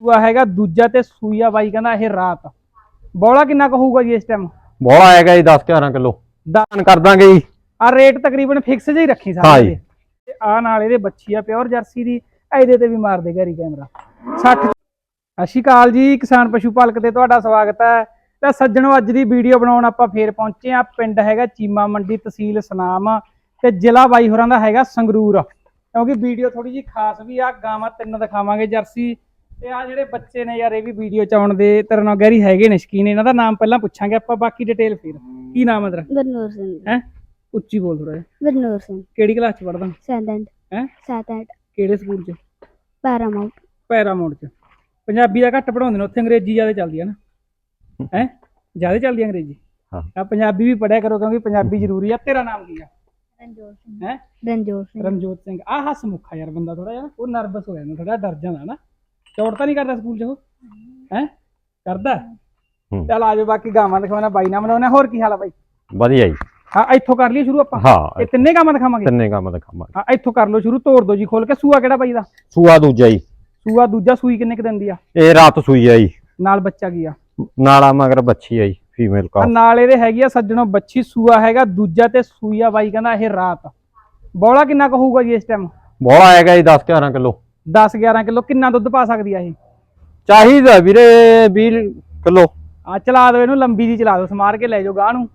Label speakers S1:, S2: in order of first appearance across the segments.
S1: ਸੂਆ ਹੈਗਾ ਦੂਜਾ ਤੇ ਸੂਈਆ ਬਾਈ ਕਹਿੰਦਾ ਇਹ ਰਾਤ। ਬੋਲਾ ਕਿੰਨਾ ਕੁ ਹੋਊਗਾ ਜੀ ਇਸ ਟਾਈਮ?
S2: ਬੋਲਾ ਆਏਗਾ ਜੀ 10-11 ਕਿਲੋ ਦਾਨ ਕਰ ਦਾਂਗੇ ਜੀ।
S1: ਆ ਰੇਟ ਤਕਰੀਬਨ ਫਿਕਸ ਜਿਹਾ ਹੀ ਰੱਖੀ ਸਾਰੇ ਦੇ। ਤੇ ਆ ਨਾਲ ਇਹਦੇ ਬੱਚੀ ਆ ਪਿਓਰ ਜਰਸੀ ਦੀ। ਇਹਦੇ ਤੇ ਵੀ ਮਾਰ ਦੇ ਘਰੀ ਕੈਮਰਾ 60। ਸਤਿ ਸ਼੍ਰੀ ਅਕਾਲ ਜੀ, ਕਿਸਾਨ ਪਸ਼ੂ ਪਾਲਕ ਤੇ ਤੁਹਾਡਾ ਸਵਾਗਤ ਹੈ। ਤਾਂ ਸੱਜਣੋ, ਅੱਜ ਦੀ ਵੀਡੀਓ ਬਣਾਉਣ ਆਪਾਂ ਫੇਰ ਪਹੁੰਚੇ ਆ। ਪਿੰਡ ਹੈਗਾ ਚੀਮਾ ਮੰਡੀ, ਤਹਿਸੀਲ ਸਨਾਮ ਤੇ ਜ਼ਿਲ੍ਹਾ ਬਾਈ ਹੋਰਾਂ ਦਾ ਹੈਗਾ ਸੰਗਰੂਰ। ਕਿਉਂਕਿ ਵੀਡੀਓ ਥੋੜੀ ਜੀ ਖਾਸ ਵੀ ਆ। ਗਾਵਾਂ 3 ਦਿਖਾਵਾਂਗੇ ਜਰਸੀ ਤੇ ਆ ਜਿਹੜੇ ਬੱਚੇ ਨੇ ਯਾਰ ਇਹ ਵੀ ਵੀਡੀਓ ਚ ਆਉਣ ਦੇ ਤੇਰੇ ਨਾਲ ਗਹਿਰੀ ਹੈਗੇ ਨੇ ਸ਼ਕੀਨ। ਇਹਨਾਂ ਦਾ ਨਾਮ ਪਹਿਲਾਂ ਪੁੱਛਾਂਗੇ ਆਪਾਂ, ਬਾਕੀ ਡਿਟੇਲ ਫਿਰ। ਕੀ ਨਾਮ ਹੈ ਤੇਰਾ?
S3: ਗੁਰਨੂਰ ਸਿੰਘ।
S1: ਹੈ ਉੱਚੀ ਬੋਲ ਥੋੜਾ ਜਿਹਾ।
S3: ਗੁਰਨੂਰ ਸਿੰਘ।
S1: ਕਿਹੜੀ ਕਲਾਸ ਚ ਪੜਦਾ?
S3: 7th।
S1: ਹੈ
S3: 7th।
S1: ਕਿਹੜੇ ਸਕੂਲ ਚ?
S3: ਪੈਰਾਮਾਉਂਟ।
S1: ਪੈਰਾਮਾਉਂਟ ਚ। ਪੰਜਾਬੀ ਦਾ ਘੱਟ ਪੜਾਉਂਦੇ ਨੇ ਉੱਥੇ, ਅੰਗਰੇਜ਼ੀ ਜ਼ਿਆਦਾ ਚੱਲਦੀ ਹੈ ਨਾ? ਹੈ ਜ਼ਿਆਦਾ ਚੱਲਦੀ ਅੰਗਰੇਜ਼ੀ? ਆ ਪੰਜਾਬੀ ਵੀ ਪੜਿਆ ਕਰੋ ਕਿਉਂਕਿ ਪੰਜਾਬੀ ਜ਼ਰੂਰੀ ਆ। ਤੇਰਾ ਨਾਮ ਕੀ ਆ?
S3: ਰਣਜੋਤ ਸਿੰਘ।
S1: ਹੈ
S3: ਰਣਜੋਤ ਸਿੰਘ।
S1: ਰਣਜੋਤ ਸਿੰਘ। ਆ ਹਸਮੁਖਾ ਯਾਰ ਬੰਦਾ ਥੋੜਾ ਜਿਹਾ ਉਹ ਨਰਵਸ ਹੋ ਜਾਂਦਾ, ਥੋੜਾ ਡਰ ਜਾਂਦਾ ਨਾ। ਚੋਟ ਤਾਂ ਨਹੀਂ ਕਰਦਾ ਸਕੂਲ ਚ ਉਹ? ਹੈ ਕਰਦਾ? ਚੱਲ ਆਜੋ ਬਾਕੀ ਗਾਵਾਂ ਦਿਖਾਉਣਾ ਬਾਈ ਨਾਲ ਬਣਾਉਣਾ। ਹੋਰ ਕੀ ਹਾਲ ਆ ਬਾਈ?
S2: ਵਧੀਆ ਜੀ।
S1: ਹਾਂ ਇੱਥੋਂ ਕਰ ਲਈਏ ਸ਼ੁਰੂ ਆਪਾਂ।
S2: ਹਾਂ
S1: ਇਹ ਤਿੰਨੇ ਗਾਵਾਂ ਦਿਖਾਵਾਂਗੇ।
S2: ਤਿੰਨੇ ਕੰਮ ਦਿਖਾਵਾਂਗੇ।
S1: ਹਾਂ ਇੱਥੋਂ ਕਰ ਲਓ ਸ਼ੁਰੂ। ਤੋੜ ਦੋ ਜੀ ਖੋਲ ਕੇ। ਸੂਆ ਕਿਹੜਾ ਬਾਈ ਦਾ?
S2: ਸੂਆ ਦੂਜਾ ਜੀ।
S1: ਸੂਆ ਦੂਜਾ। ਸੂਈ ਕਿੰਨੇ ਕ ਦਿਨ ਦੀ ਆ?
S2: ਇਹ ਰਾਤ ਸੂਈ ਆ ਜੀ।
S1: ਨਾਲ ਬੱਚਾ ਕੀ ਆ?
S2: ਨਾਲਾ ਮਗਰ ਬੱਚੀ ਆ ਜੀ, ਫੀਮੇਲ ਕਾ।
S1: ਨਾਲ ਇਹਦੇ ਹੈਗੀ ਆ ਸੱਜਣੋਂ ਬੱਚੀ। ਸੂਆ ਹੈਗਾ ਦੂਜਾ ਤੇ ਸੂਈਆ ਬਾਈ ਕਹਿੰਦਾ ਇਹ ਰਾਤ। ਬੋਲਾ ਕਿੰਨਾ ਕੁ ਹੋਊਗਾ ਜੀ ਇਸ ਟਾਈਮ?
S2: ਬੋਲਾ ਆਏਗਾ ਜੀ 10-11 ਕਿਲੋ।
S1: 10-11 ਕਿਲੋ। ਕਿੰਨਾ ਦੁੱਧ ਪਾ ਸਕਦੀ ਆ ਇਹ?
S2: ਚਾਹੀਦਾ ਵੀਰੇ 20 ਕਿਲੋ।
S1: ਆ ਚਲਾ ਦਿਓ ਇਹਨੂੰ, ਲੰਬੀ ਦੀ ਚਲਾ ਦਿਓ, ਸਮਾਰ ਕੇ ਲੈ ਜਾਓ ਗਾਹ ਨੂੰ।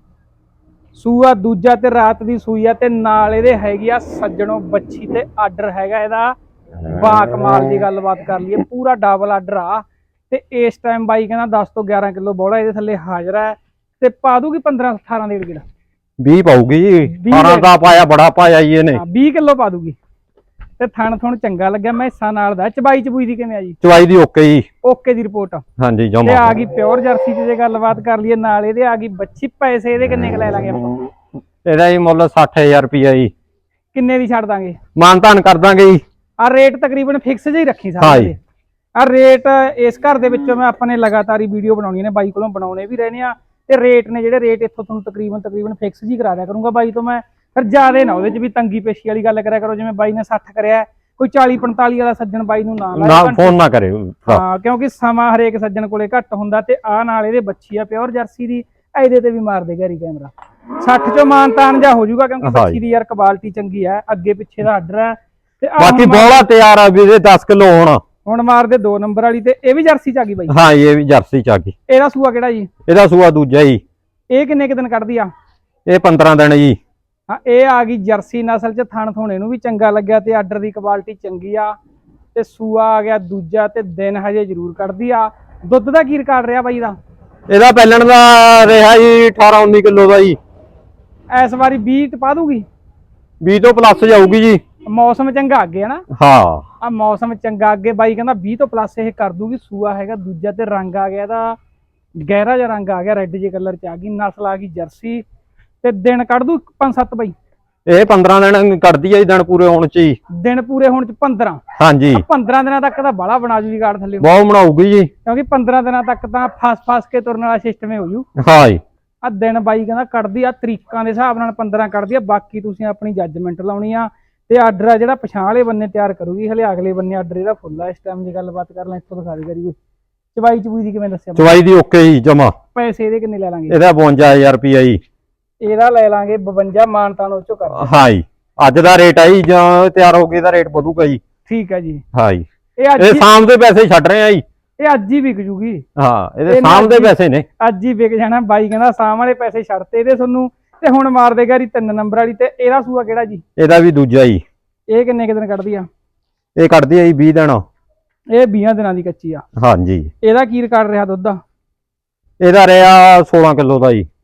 S1: ਸੂਆ ਦੂਜਾ ਤੇ ਰਾਤ ਦੀ ਸੂਈ ਆ ਤੇ ਨਾਲ ਇਹਦੇ ਹੈਗੀ ਆ ਸੱਜਣੋਂ ਬੱਚੀ ਤੇ ਆਰਡਰ ਹੈਗਾ ਇਹਦਾ ਬਾ ਕਮਾਲ ਦੀ। ਗੱਲਬਾਤ ਕਰ ਲਈਏ, ਪੂਰਾ ਡਬਲ ਆਰਡਰ ਆ। ਤੇ ਇਸ ਟਾਈਮ ਬਾਈ ਕਹਿੰਦਾ 10 ਤੋਂ 11 ਕਿਲੋ ਬੋਲਾ ਇਹਦੇ ਥੱਲੇ ਹਾਜ਼ਰ ਹੈ। ਤੇ ਪਾ ਦੂਗੀ 15-18 ਡੇਢ ਕਿਲੋ।
S2: 20 ਪਾਊਗੀ ਜੀ। 18 ਦਾ ਪਾਇਆ, ਬੜਾ ਪਾਇਆ ਜੀ ਇਹਨੇ।
S1: 20 ਕਿਲੋ ਪਾ ਦੂਗੀ। ਤੇ ਥਣ ਥੁਣ ਚੰਗਾ ਲੱਗਿਆ, ਮੈਸਾਂ ਨਾਲ ਦਾ। ਚਬਾਈ ਚਬੂਈ ਦੀ ਕਿਵੇਂ ਆ ਜੀ?
S2: ਚਵਾਈ ਦੀ ਓਕੇ ਜੀ।
S1: ਓਕੇ ਦੀ ਰਿਪੋਰਟ।
S2: ਹਾਂਜੀ
S1: ਤੇ
S2: ਜਮਾ।
S1: ਆ ਗਈ ਪਿਓਰ ਜਰਸੀ ਦੀ ਜੇ ਗੱਲਬਾਤ ਕਰ ਲਈਏ, ਨਾਲ ਇਹਦੇ ਆ ਗਈ ਬੱਚੀ। ਪੈਸੇ ਇਹਦੇ ਕਿੰਨੇ ਕ ਲੈ ਲਾਂਗੇ ਆਪਾਂ?
S2: ਇਹਦਾ ਜੀ ਮੁੱਲ 60,000 ਰੁਪਇਆ ਜੀ।
S1: ਕਿੰਨੇ ਦੀ ਛੱਡ ਦਾਂਗੇ?
S2: ਮਾਨ ਤਾਨ ਕਰ ਦਾਂਗੇ ਜੀ।
S1: ਆ ਰੇਟ ਤਕਰੀਬਨ ਫਿਕਸ ਜਿਹਾ ਹੀ ਰੱਖੀ
S2: ਹਾਂ
S1: ਸਾਰੇ
S2: ਜੀ।
S1: ਦੇ। ਆ ਰੇਟ ਇਸ ਘਰ ਦੇ ਵਿੱਚੋਂ ਮੈਂ ਆਪਾਂ ਨੇ ਲਗਾਤਾਰ ਹੀ ਵੀਡੀਓ ਬਣਾਉਣੀ ਨੇ, ਬਾਈ ਕੋਲੋਂ ਬਣਾਉਣੇ ਵੀ ਰਹਿਣੇ ਆ। ਤੇ ਰੇਟ ਨੇ ਜਿਹੜੇ ਰੇਟ ਇੱਥੋਂ ਤੁਹਾਨੂੰ ਤਕਰੀਬਨ ਫਿਕਸ ਜੀ ਕਰਾ ਦਿਆ ਕਰੂੰਗਾ ਬਾਈ ਤੋਂ ਮੈਂ। ਫਿਰ ਜ਼ਿਆਦਾ ਨਾ ਉਹਦੇ ਚ ਵੀ ਤੰਗੀ ਪੇਸ਼ੀ ਵਾਲੀ ਗੱਲ ਕਰਿਆ ਕਰੋ। ਜਿਵੇਂ ਬਾਈ ਨੇ 60 ਕਰਿਆ, ਕੋਈ 40-45 ਵਾਲਾ ਸੱਜਣ ਬਾਈ ਨੂੰ ਨਾ ਲਾਇਆ
S2: ਫੋਨ ਨਾ ਕਰੇ।
S1: ਹਾਂ ਕਿਉਂਕਿ ਸਮਾਂ ਹਰੇਕ ਸੱਜਣ ਕੋਲੇ ਘੱਟ ਹੁੰਦਾ। ਤੇ ਆ ਨਾਲ ਇਹਦੇ ਬੱਚੀ ਆ ਪਿਓਰ ਜਰਸੀ ਦੀ। ਇਹਦੇ ਤੇ ਵੀ ਮਾਰ ਦੇ ਘਰੀ ਕੈਮਰਾ 60 ਚੋਂ ਮਾਨਤਾਨ ਜਾ ਹੋ ਜਾਊਗਾ ਕਿਉਂਕਿ ਬੱਚੀ ਦੀ ਯਾਰ ਕੁਆਲਿਟੀ ਚੰਗੀ ਹੈ। ਅੱਗੇ ਪਿੱਛੇ ਦਾ ਆਰਡਰ ਹੈ। ਤੇ
S2: ਬਾਕੀ ਬੋਲਾ ਤਿਆਰ ਆ ਵੀਰੇ 10 ਕਿਲੋ
S1: ਹੁਣ ਮਾਰ ਦੇ 2 ਨੰਬਰ ਵਾਲੀ। ਤੇ ਇਹ ਵੀ ਜਰਸੀ ਚ ਆ ਗਈ ਬਾਈ?
S2: ਹਾਂ ਇਹ ਵੀ ਜਰਸੀ ਚ ਆ ਗਈ।
S1: ਇਹਦਾ ਸੂਆ ਕਿਹੜਾ ਜੀ?
S2: ਇਹਦਾ ਸੂਆ ਦੂਜਾ ਜੀ।
S1: ਇਹ ਕਿੰਨੇ ਕੁ ਦਿਨ ਕੱਢਦੀ ਆ?
S2: ਇਹ 15 ਦਿਨ ਜੀ।
S1: ਹਾਂ ਇਹ ਆ ਗਈ ਜਰਸੀ ਨਸਲ ਚ। ਥਣ ਥੋਣੇ ਨੂੰ ਵੀ ਚੰਗਾ ਲੱਗਿਆ ਤੇ ਆਰਡਰ ਦੀ ਕੁਆਲਿਟੀ ਚੰਗੀ ਆ। ਤੇ ਸੂਆ ਆ ਗਿਆ ਦੂਜਾ ਤੇ ਦਿਨ ਹਜੇ ਜ਼ਰੂਰ ਕੱਢਦੀ ਆ। ਦੁੱਧ ਦਾ ਕੀ ਰਿਕਾਰਡ ਰਿਹਾ ਬਾਈ ਦਾ?
S2: ਇਹਦਾ ਪਹਿਲਣ ਦਾ ਰਿਹਾ ਜੀ 18-19 ਕਿਲੋ ਦਾ ਜੀ।
S1: ਇਸ ਵਾਰੀ 20 ਪਾ ਦੂਗੀ?
S2: 20 ਤੋਂ ਪਲੱਸ ਜਾਊਗੀ ਜੀ।
S1: ਮੌਸਮ ਚੰਗਾ ਅੱਗੇ ਹੈ ਨਾ?
S2: ਹਾਂ
S1: ਆ ਮੌਸਮ ਚੰਗਾ ਅੱਗੇ ਬਾਈ ਕਹਿੰਦਾ 20 ਤੋਂ ਪਲੱਸ ਇਹ ਕਰ ਦੂਗੀ। ਸੂਆ ਹੈਗਾ ਦੂਜਾ ਤੇ ਰੰਗ ਆ ਗਿਆ ਇਹਦਾ ਗਹਿਰਾ ਜਿਹਾ ਰੰਗ ਆ ਗਿਆ, ਰੈੱਡ ਜੇ ਕਲਰ ਚ ਆ ਗਈ। ਨਸਲ ਆ ਗਈ ਜਰਸੀ। ਤੇ ਦਿਨ ਕੱਢ ਦੂ 5-7 ਬਾਈ?
S2: ਇਹ 15 ਦਿਨ ਕੱਢਦੀ ਆ ਜੀ, ਦਿਨ ਪੂਰੇ ਹੋਣ ਚ ਹੀ।
S1: ਦਿਨ ਪੂਰੇ ਹੋਣ ਚ 15?
S2: ਹਾਂਜੀ
S1: 15 ਦਿਨਾਂ ਤੱਕ ਤਾਂ ਬਾਲਾ ਬਣਾ ਜੂਗੀ ਕਾਰਡ ਥੱਲੇ,
S2: ਬਹੁਤ ਬਣਾਊਗੀ ਜੀ।
S1: ਕਿਉਂਕਿ 15 ਦਿਨਾਂ ਤੱਕ ਤਾਂ ਫਸ ਕੇ ਤੁਰਨ ਵਾਲਾ ਸਿਸਟਮ ਹੀ ਹੋ ਜੂ।
S2: ਹਾਂ ਜੀ।
S1: ਆ ਦਿਨ ਬਾਈ ਕਹਿੰਦਾ ਕੱਢਦੀ ਆ ਤਰੀਕਾਂ ਦੇ ਹਿਸਾਬ ਨਾਲ 15 ਕੱਢਦੀ ਆ। ਬਾਕੀ ਤੁਸੀਂ ਆਪਣੀ ਜੱਜਮੈਂਟ ਲਾਉਣੀ ਆ। ਤੇ ਆਰਡਰ ਆ ਜਿਹੜਾ ਪਛਾਣ ਵਾਲੇ ਬੰਨੇ ਤਿਆਰ ਕਰੂਗੀ, ਹਲੇ ਅਗਲੇ ਬੰਨੇ ਆਰਡਰ ਇਹਦਾ ਫੁੱਲ ਆ। ਇਸ ਟਾਈਮ ਦੀ ਗੱਲਬਾਤ ਕਰ ਲੈ, ਇੱਥੋਂ ਦਿਖਾ ਦੇ ਕਰੀ। ਚਵਾਈ ਚਬੂਈ ਦੀ ਕਿਵੇਂ ਦੱਸਿਆ?
S2: ਚਵਾਈ ਦੀ ਓਕੇ ਜੀ ਜਮਾ।
S1: ਪੈਸੇ ਇਹਦੇ ਕਿੰਨੇ ਲੈ ਲਾਂਗੇ?
S2: ਇਹਦਾ 52,000 ਰੁਪਇਆ ਜੀ।
S1: ਇਹਦਾ ਲੈ ਲਾਂਗੇ 52। ਮਾਨਤਾਨ ਉਹ ਚੋਂ ਕਰ।
S2: ਹਾਂ ਜੀ ਅੱਜ ਦਾ ਰੇਟ ਆ ਜੀ, ਜਾਂ ਤਿਆਰ ਹੋ ਕੇ ਇਹਦਾ ਰੇਟ ਵਧੂਗਾ ਜੀ।
S1: ਠੀਕ ਹੈ ਜੀ।
S2: ਹਾਂ ਜੀ
S1: ਇਹ
S2: ਸ਼ਾਮ ਦੇ ਪੈਸੇ ਛੱਡ ਰਹੇ ਆ ਜੀ।
S1: ਇਹ ਅੱਜ ਹੀ ਵਿਕ ਜੂਗੀ।
S2: ਹਾਂ ਇਹਦੇ ਸ਼ਾਮ ਦੇ ਪੈਸੇ ਨੇ,
S1: ਅੱਜ ਹੀ ਵਿਕ ਜਾਣਾ। ਬਾਈ ਕਹਿੰਦਾ ਸ਼ਾਮ ਵਾਲੇ ਪੈਸੇ ਛੱਡਤੇ ਇਹਦੇ ਤੁਹਾਨੂੰ। ਤੇ ਹੁਣ ਮਾਰ ਦੇ ਘਰੀ 3 ਨੰਬਰ ਵਾਲੀ। ਤੇ ਇਹਦਾ ਸੂਆ ਕਿਹੜਾ ਜੀ?
S2: ਇਹਦਾ ਵੀ ਦੂਜਾ ਜੀ।
S1: ਇਹ ਕਿੰਨੇ ਕੁ ਦਿਨ ਕੱਢਦੀ ਆ?
S2: ਇਹ ਕੱਢਦੀ ਆ ਜੀ 20 ਦਿਨ।
S1: ਇਹ 20 ਦਿਨਾਂ ਦੀ ਕੱਚੀ ਆ।
S2: ਹਾਂਜੀ
S1: ਇਹਦਾ ਕੀ ਰਿਕਾਰਡ ਰਿਹਾ ਦੁੱਧ ਦਾ?
S2: ਇਹਦਾ ਰਿਹਾ 16 ਕਿਲੋ ਦਾ ਜੀ।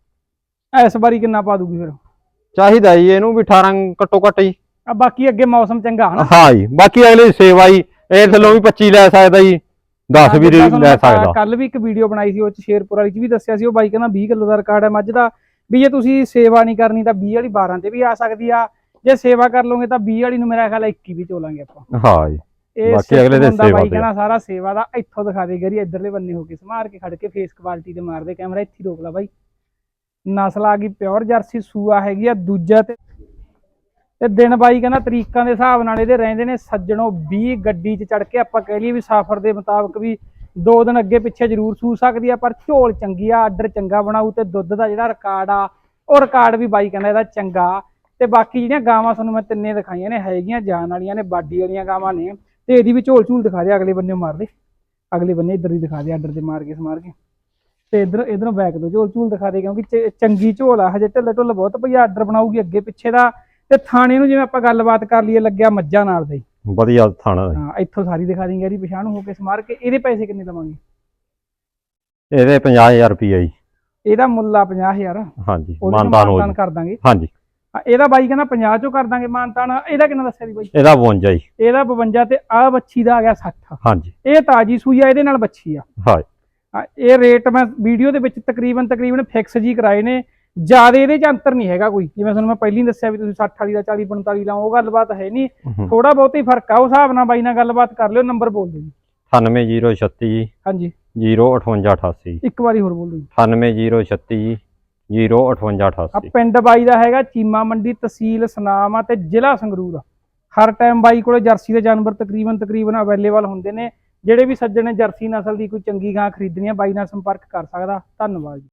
S1: ਇਸ ਵਾਰੀ ਕਿੰਨਾ ਪਾ ਦੂਗੀ ਫਿਰ?
S2: ਚਾਹੀਦਾ ਜੀ ਇਹਨੂੰ ਵੀ 18 ਘੱਟੋ ਘੱਟ ਜੀ।
S1: ਆ ਬਾਕੀ ਅੱਗੇ ਮੌਸਮ ਚੰਗਾ ਹਨਾ?
S2: ਹਾਂ ਜੀ ਬਾਕੀ ਅਗਲੀ ਸੇਵਾ ਜੀ। ਇਹ ਥੱਲੋਂ ਵੀ 25 ਲੈ ਸਕਦਾ ਜੀ, 10 ਵੀ ਲੈ ਸਕਦਾ।
S1: ਕੱਲ ਵੀ ਇੱਕ ਵੀਡੀਓ ਬਣਾਈ ਸੀ ਉਹ ਚ ਸ਼ੇਰਪੁਰ ਵਾਲੀ ਚ ਵੀ ਦੱਸਿਆ ਸੀ। ਉਹ ਬਾਈ ਕਹਿੰਦਾ 20 ਕਿਲੋ ਦਾ ਰਿਕਾਰਡ ਹੈ ਮੱਝ ਦਾ। ਵੀ ਜੇ ਤੁਸੀਂ ਸੇਵਾ ਨਹੀਂ ਕਰਨੀ ਤਾਂ 20 ਵਾਲੀ 12 ਤੇ ਵੀ ਆ ਸਕਦੀ ਆ। ਜੇ ਸੇਵਾ ਕਰ ਲਓਗੇ ਤਾਂ 20 ਵਾਲੀ ਨੂੰ ਮੇਰਾ ਖਿਆਲ 21 ਵੀ ਚੋਲਾਂਗੇ ਆਪਾਂ।
S2: ਹਾਂ ਜੀ
S1: ਇਹ
S2: ਬਾਕੀ ਅਗਲੇ ਦੇ ਸੇਵਾ
S1: ਬਾਈ ਕਹਿੰਦਾ ਸਾਰਾ ਸੇਵਾ ਦਾ। ਇੱਥੋਂ ਦਿਖਾ ਦੇ ਗਰੀ ਇੱਧਰਲੇ ਬੰਨੇ ਹੋ ਕੇ ਸਮਾਰ ਕੇ ਖੜ ਕੇ ਫੇਸ ਕੁਆਲਿਟੀ ਤੇ ਮਾਰਦੇ ਕੈਮਰਾ। ਇੱਥੇ ਰੋਕ ਲਾ ਬਾਈ। ਨਸਲ ਆ ਗਈ ਪਿਓਰ ਜਰਸੀ। ਸੂਆ ਹੈਗੀ ਆ ਦੂਜਾ ਤੇ ਦਿਨ ਬਾਈ ਕਹਿੰਦਾ ਤਰੀਕਾਂ ਦੇ ਹਿਸਾਬ ਨਾਲ ਇਹਦੇ ਰਹਿੰਦੇ ਨੇ ਸੱਜਣੋਂ 20। ਗੱਡੀ 'ਚ ਚੜ ਕੇ ਆਪਾਂ ਕਹਿ ਲਈਏ ਵੀ ਸਫ਼ਰ ਦੇ ਮੁਤਾਬਕ ਵੀ 2 ਦਿਨ ਅੱਗੇ ਪਿੱਛੇ ਜ਼ਰੂਰ ਸੂ ਸਕਦੀ ਆ, ਪਰ ਝੋਲ ਚੰਗੀ ਆ, ਆਰਡਰ ਚੰਗਾ ਬਣਾਊ ਤੇ ਦੁੱਧ ਦਾ ਜਿਹੜਾ ਰਿਕਾਰਡ ਆ ਉਹ ਰਿਕਾਰਡ ਵੀ ਬਾਈ ਕਹਿੰਦਾ ਇਹਦਾ ਚੰਗਾ। ਤੇ ਬਾਕੀ ਜਿਹੜੀਆਂ ਗਾਵਾਂ ਤੁਹਾਨੂੰ ਮੈਂ ਤਿੰਨੇ ਦਿਖਾਈਆਂ ਨੇ ਹੈਗੀਆਂ ਜਾਨ ਵਾਲੀਆਂ ਨੇ, ਬਾਡੀ ਵਾਲੀਆਂ ਗਾਵਾਂ ਨੇ। ਤੇ ਇਹਦੀ ਵੀ ਝੋਲ ਝੂਲ ਦਿਖਾ ਦੇ, ਅਗਲੇ ਬੰਨੇ ਮਾਰ ਦੇ, ਅਗਲੇ ਬੰਨੇ ਇੱਧਰ ਹੀ ਦਿਖਾ ਦੇ, ਆਰਡਰ ਤੇ ਮਾਰ ਕੇ ਸਮਾਰ ਕੇ। ਤੇ ਇਧਰੋਂ ਬੈਕ ਤੋਂ ਝੋਲ ਝੂਲ ਦਿਖਾ ਦੇ, ਕਿਉਂਕਿ ਚੰਗੀ ਝੋਲ ਆ, ਹਜੇ ਢਿੱਲ ਢੁੱਲ ਬਹੁਤ ਪਈ, ਆਰਡਰ ਬਣਾਊਗੀ ਅੱਗੇ ਪਿੱਛੇ ਦਾ। ਤੇ ਥਾਣੇ ਨੂੰ ਜਿਵੇਂ ਆਪਾਂ ਗੱਲਬਾਤ ਕਰ ਲਈਏ, ਲੱਗਿਆ ਮੱਝਾਂ ਨਾਲ ਦਾ ਹੀ
S2: ਵਧੀਆ ਥਾਣਾ ਜੀ।
S1: ਹਾਂ, ਇੱਥੋਂ ਸਾਰੀ ਦਿਖਾ ਦੇਂਗੇ ਇਹਦੀ ਪਛਾਣ ਹੋ ਕੇ ਸਮਾਰ ਕੇ। ਇਹਦੇ ਪੈਸੇ ਕਿੰਨੇ ਲਵਾਂਗੇ?
S2: ਇਹਦੇ 50000 ਰੁਪਏ ਜੀ।
S1: ਇਹਦਾ ਮੁੱਲ ਆ 50000।
S2: ਹਾਂਜੀ,
S1: ਮਾਨਤਾਨ
S2: ਮਾਨਤਾਨ
S1: ਕਰ ਦਾਂਗੇ।
S2: ਹਾਂਜੀ,
S1: ਇਹਦਾ ਬਾਈ ਕਹਿੰਦਾ 50 ਚੋਂ ਕਰ ਦਾਂਗੇ ਮਾਨਤਾਨ। ਇਹਦਾ ਕਿੰਨਾ ਦੱਸਿਆ ਸੀ ਬਾਈ?
S2: ਇਹਦਾ 52 ਜੀ।
S1: ਇਹਦਾ 52 ਤੇ ਆ ਬੱਚੀ ਦਾ ਆ ਗਿਆ 60।
S2: ਹਾਂਜੀ,
S1: ਇਹ ਤਾਜੀ ਸੂਈ ਆ, ਇਹਦੇ ਨਾਲ ਬੱਚੀ ਆ।
S2: ਹਾਂ,
S1: ਇਹ ਰੇਟ ਮੈਂ ਵੀਡੀਓ ਦੇ ਵਿੱਚ ਤਕਰੀਬਨ ਫਿਕਸ ਜੀ ਕਰਾਏ ਨੇ, ਜਿਆਦਾ ਇਹਦੇ ਚ ਅੰਤਰ ਨਹੀਂ ਹੈਗਾ ਕੋਈ। ਜਿਵੇਂ ਤੁਹਾਨੂੰ ਮੈਂ ਪਹਿਲਾਂ ਹੀ ਦੱਸਿਆ ਵੀ ਤੁਸੀਂ 60 ਵਾਲੀ ਦਾ 40 45 ਲਾਓ, ਉਹ ਗੱਲਬਾਤ ਹੈ ਨਹੀਂ, ਥੋੜਾ ਬਹੁਤ ਹੀ ਫਰਕ ਆ। ਉਸ ਹਿਸਾਬ ਨਾਲ ਬਾਈ ਨਾਲ ਗੱਲਬਾਤ ਕਰ ਲਿਓ। ਨੰਬਰ ਬੋਲ ਦਿਓ ਜੀ।
S2: 98036
S1: ਹਾਂਜੀ,
S2: 05888।
S1: ਇੱਕ ਵਾਰੀ ਹੋਰ ਬੋਲ ਦਿਓ ਜੀ।
S2: 98036 05888।
S1: ਪਿੰਡ ਬਾਈ ਦਾ ਹੈਗਾ ਚੀਮਾ ਮੰਡੀ, ਤਹਿਸੀਲ ਸੁਨਾਮ ਆ ਤੇ ਜ਼ਿਲ੍ਹਾ ਸੰਗਰੂਰ ਆ। ਹਰ ਟਾਈਮ ਬਾਈ ਕੋਲੇ ਜਰਸੀ ਦੇ ਜਾਨਵਰ ਤਕਰੀਬਨ ਅਵੇਲੇਬਲ ਹੁੰਦੇ ਨੇ। ਜਿਹੜੇ ਵੀ ਸੱਜਣ ਨੇ ਜਰਸੀ ਨਸਲ ਦੀ ਕੋਈ ਚੰਗੀ ਗਾਂ ਖਰੀਦਣੀ ਆ, ਬਾਈ ਨਾਲ ਸੰਪਰਕ ਕਰ ਸਕਦਾ। ਧੰਨਵਾਦ ਜੀ।